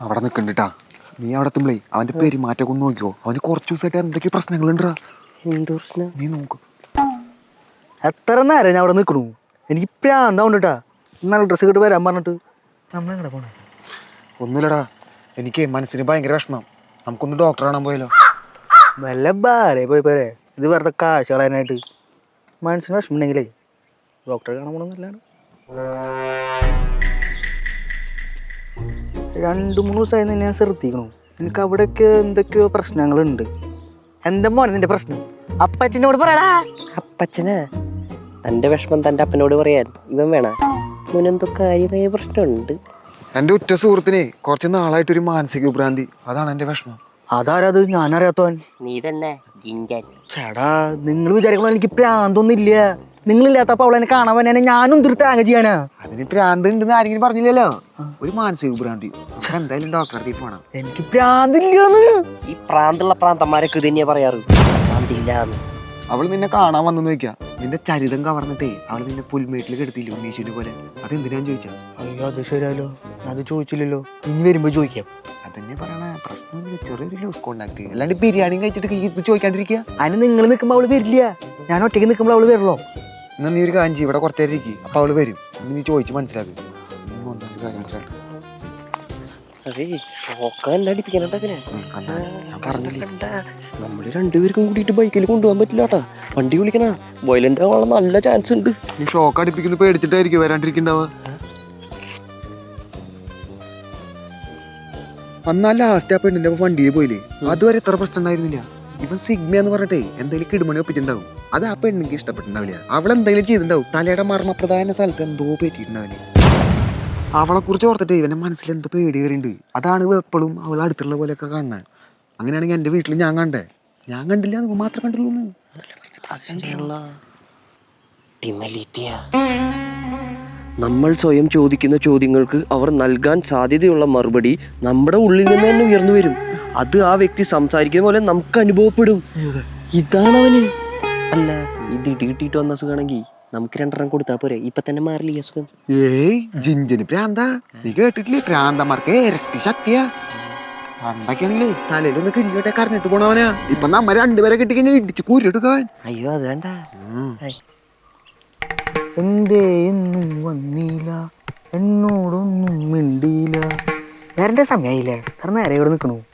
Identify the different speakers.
Speaker 1: അവിടെ നിൽക്കണ്ടിട്ടാ. നീ അവിടെ എത്തുമ്പളേ അവന്റെ പെരുമാറ്റമൊക്കെ ഒന്ന് നോക്കിയോ. അവന് കുറച്ച് ദിവസമായിട്ട് എന്തൊക്കെ പ്രശ്നങ്ങളുണ്ടാ.
Speaker 2: എന്ത് പ്രശ്നം?
Speaker 1: നീ നോക്ക്.
Speaker 3: എത്ര നേരം ഞാൻ അവിടെ നിൽക്കണു. എനിക്ക് പ്രാന്താവുണ്ടാ. നല്ല ഡ്രസ്സ് കിട്ടി വരാൻ പറഞ്ഞിട്ട് നമ്മളെങ്ങനെ പോണേ?
Speaker 1: ഒന്നുമില്ലടാ, എനിക്ക് മനസ്സിന് ഭയങ്കര വിഷമം. നമുക്കൊന്ന് ഡോക്ടറെ കാണാൻ പോയാലോ?
Speaker 3: വല്ല ബാരേ പോയി പോരെ. ഇത് വെറുതെ കാശ് കളയാനായിട്ട്. മനസ്സിന് വിഷമമുണ്ടെങ്കിലേ ഡോക്ടറെ കാണാൻ പോകണമെന്നല്ലാണ്. 2-3 ദിവസമായി നിന്നെ ഞാൻ ശ്രദ്ധിക്കണു. എനിക്ക് അവിടെയൊക്കെ എന്തൊക്കെയോ പ്രശ്നങ്ങളുണ്ട്. എന്താ മോനെ നിന്റെ പ്രശ്നം? അപ്പച്ചനോട് പറയടാ.
Speaker 2: അപ്പച്ചനാ? തന്റെ വിഷമം തന്റെ അപ്പനോട് പറയാൻ ഇവൻ വേണ? ഇവനെന്തോ കാര്യമായ പ്രശ്നമുണ്ട്.
Speaker 1: എൻ്റെ ഉറ്റ സുഹൃത്തിനെ കുറച്ച് നാളായിട്ടൊരു മാനസിക വിഭ്രാന്തി. അതാണ് എൻ്റെ വിഷമം.
Speaker 3: അതാരത്? ഞാനറിയാത്തവൻ.
Speaker 2: നീ തന്നെ ജിഞ്ചൻ.
Speaker 3: ചേടാ, നിങ്ങൾ വിചാരിക്കണോ എനിക്ക് പ്രാന്തൊന്നും ഇല്ല. നിങ്ങളില്ലാത്തപ്പോ അവളെന്നെ കാണാൻ വന്നെ ഞാനും ഒരു താങ്ങ ചെയ്യാനാ.
Speaker 1: അതിന് പ്രാന്ത് ഉണ്ടെന്ന് ആരെങ്കിലും പറഞ്ഞില്ലല്ലോ. ഒരു മാനസിക വിഭ്രാന്തി. എന്തായാലും ഡോക്ടറെ അടുത്തേക്ക് പോണം.
Speaker 3: എനിക്ക് പ്രാന്തില്ലാന്ന്.
Speaker 2: ഈ പ്രാന്തുള്ള പ്രാന്തന്മാരൊക്കെ ഇത് തന്നെയാ പറയാറ്, പ്രാന്തില്ലാന്ന്.
Speaker 1: അവൾ നിന്നെ കാണാൻ വന്നെന്ന് വെക്കാം. നിന്റെ ചരിതം കവർന്നിട്ടേ അവൾ നിന്നെ പുൽമേട്ടിൽ കെടുത്തില്ല ഉണ്ണീശുവിനെ പോലെ. അതെന്തിനാന്ന് ചോദിച്ചാ?
Speaker 3: അയ്യോ, അത് ശരിയാലോ. അത് ചോദിച്ചില്ലല്ലോ. ഇനി വരുമ്പോ ചോദിക്കാം.
Speaker 1: അതന്നെ പറയണ പ്രശ്നം. ചെറിയൊരു ലൂസ് കോണ്ടാക്ട്. അല്ലാണ്ട് ബിരിയാണി കഴിച്ചിട്ട് ഇത് ചോദിക്കാണ്ടിരിക്കുക.
Speaker 3: അതിന് നിങ്ങൾ നിൽക്കുമ്പോ അവള് വരില്ല. ഞാൻ ഒറ്റയ്ക്ക് നിൽക്കുമ്പോൾ അവള് വരുള്ളൂ.
Speaker 1: എന്നാ നീ ഒരു കാഞ്ചി ഇവിടെ കുറച്ചേരം ഇരിക്കും. അപ്പൊ അവള് വരും. നീ ചോദിച്ച് മനസ്സിലാക്കും.
Speaker 2: നമ്മള് രണ്ടുപേർക്കും കൂടിയിട്ട് ബൈക്കിൽ കൊണ്ടുപോകാൻ പറ്റില്ലാട്ടാ. വണ്ടി വിളിക്കണ വയലന്റ് ആവാനുള്ള നല്ല ചാൻസ് ഉണ്ട്.
Speaker 1: നീ ഷോക്ക് അടിപ്പിക്കുന്ന പേടിച്ചിട്ടായിരിക്കും വരാണ്ടിരിക്കണ്ടാവുക. അന്നാ ലാസ്റ്റ് ആ പെണ്ണിന്റെ വണ്ടിയിൽ പോയില്ലേ, അതുവരെ എത്ര പ്രശ്നം ഉണ്ടായിരുന്നില്ല. ഇവൻ സിഗ്മ എന്ന് പറഞ്ഞിട്ടേ എന്തെങ്കിലും കിടുമണി ഒപ്പിച്ചിട്ടുണ്ടാവും. അത് ആ പെണ്ണിക്ക് ഇഷ്ടപ്പെട്ടിട്ടുണ്ടാവില്ല. അവൾ എന്തെങ്കിലും ചെയ്തിട്ടുണ്ടാവും. തലയുടെ മർമ്മപ്രധാന സ്ഥലത്ത് എന്തോ പറ്റിയിട്ടുണ്ടാവില്ല. അവളെ കുറിച്ച് ഓർത്തിട്ട് ഇവന്റെ മനസ്സിൽ എന്തോ പേടി കയറിണ്ട്. അതാണ് എപ്പോഴും അവൾ അടുത്തുള്ള പോലെയൊക്കെ കാണുന്നത്. അങ്ങനെയാണെങ്കിൽ എന്റെ വീട്ടിൽ ഞാൻ കണ്ടേ. ഞാൻ കണ്ടില്ല, അത് മാത്രം കണ്ടുള്ളൂ.
Speaker 2: നമ്മൾ സ്വയം ചോദിക്കുന്ന ചോദ്യങ്ങൾക്ക് അവർ നൽകാൻ സാധ്യതയുള്ള മറുപടി നമ്മുടെ ഉള്ളിൽ നിന്ന് തന്നെ ഉയർന്നു വരും. അത് ആ വ്യക്തി സംസാരിക്കുന്ന പോലെ നമുക്ക് അനുഭവപ്പെടും. ഇതാണ് അവന്. അല്ല, ഇത് ഇടികിട്ടിട്ട് വന്ന സുഖമാണെങ്കിൽ നമുക്ക് 2 കൊടുത്താ പോരെ? ഇപ്പൊ തന്നെ മാറില്ല ഈ അസുഖം.
Speaker 1: ഏയ് ജിഞ്ചന് പ്രാന്ത. നീ കേട്ടിട്ടില്ലേ, പ്രാന്തമാർക്ക് ഇരട്ടി ശക്തിയാ. പണ്ടൊക്കെയാണെങ്കിലേ തലയിലൊന്ന് കിഴിയോട്ടെ കറിഞ്ഞിട്ട് പോണവനാ. ഇപ്പൊ നമ്മ 2 പേരെ കിട്ടിക്കഴിഞ്ഞാൽ ഇടിച്ച് കൂരിയെടുക്കാൻ.
Speaker 2: അയ്യോ, അത് വേണ്ട.
Speaker 3: എന്തേ എന്നും വന്നില്ല, എന്നോടൊന്നും മിണ്ടിയില്ല. നേരന്റെ സമയായില്ലേ? കാരണം നേരെ ഇവിടെ നിൽക്കണു.